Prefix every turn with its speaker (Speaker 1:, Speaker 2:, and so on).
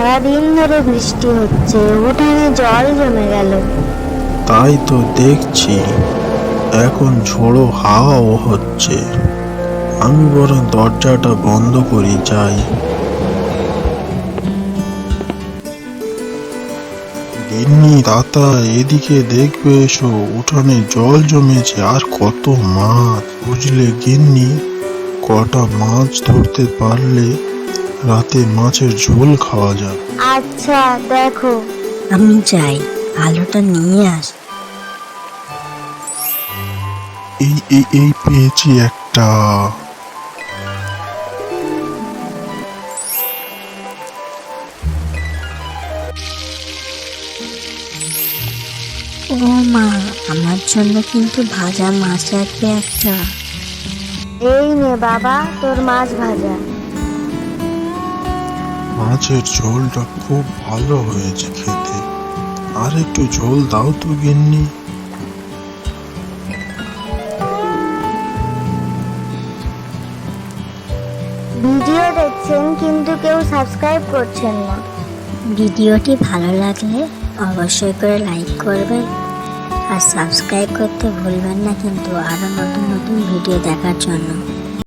Speaker 1: সারাদিন ধরে বৃষ্টি হচ্ছে, উঠানে জল জমে গেল।
Speaker 2: তাই তো দেখছি, এখন ঝোড়ো হাওয়াও হচ্ছে। আমি বরং দরজাটা বন্ধ করি যাই। গিন্নি তাতা, এদিকে দেখবে এসো, উঠানে জল জমেছে আর কত মাছ। বুঝলে গিন্নি, কটা মাছ ধরতে পারলে রাতে মাছের ঝোল খাওয়া যাবে।
Speaker 1: আচ্ছা দেখো।
Speaker 3: আমি যাই, আলোটা নিয়ে আস।
Speaker 2: এই পেয়েছি একটা।
Speaker 3: ও মা, আমার জন্য কিন্তু ভাজা মাছ রাখবে একটা।
Speaker 1: এই নে বাবা, তোর মাছ ভাজা।
Speaker 2: মাছের ঝোলটা খুব ভালো হয়েছে খেতে। আর একটু ঝোল দাও তো গিন্নি।
Speaker 1: ভিডিও দেখছেন কিন্তু কেউ সাবস্ক্রাইব করছেন না।
Speaker 3: ভিডিওটি ভালো লাগলে অবশ্যই করে লাইক করবেন আর সাবস্ক্রাইব করতে ভুলবেন না কিন্তু আরো নতুন নতুন ভিডিও দেখার জন্য।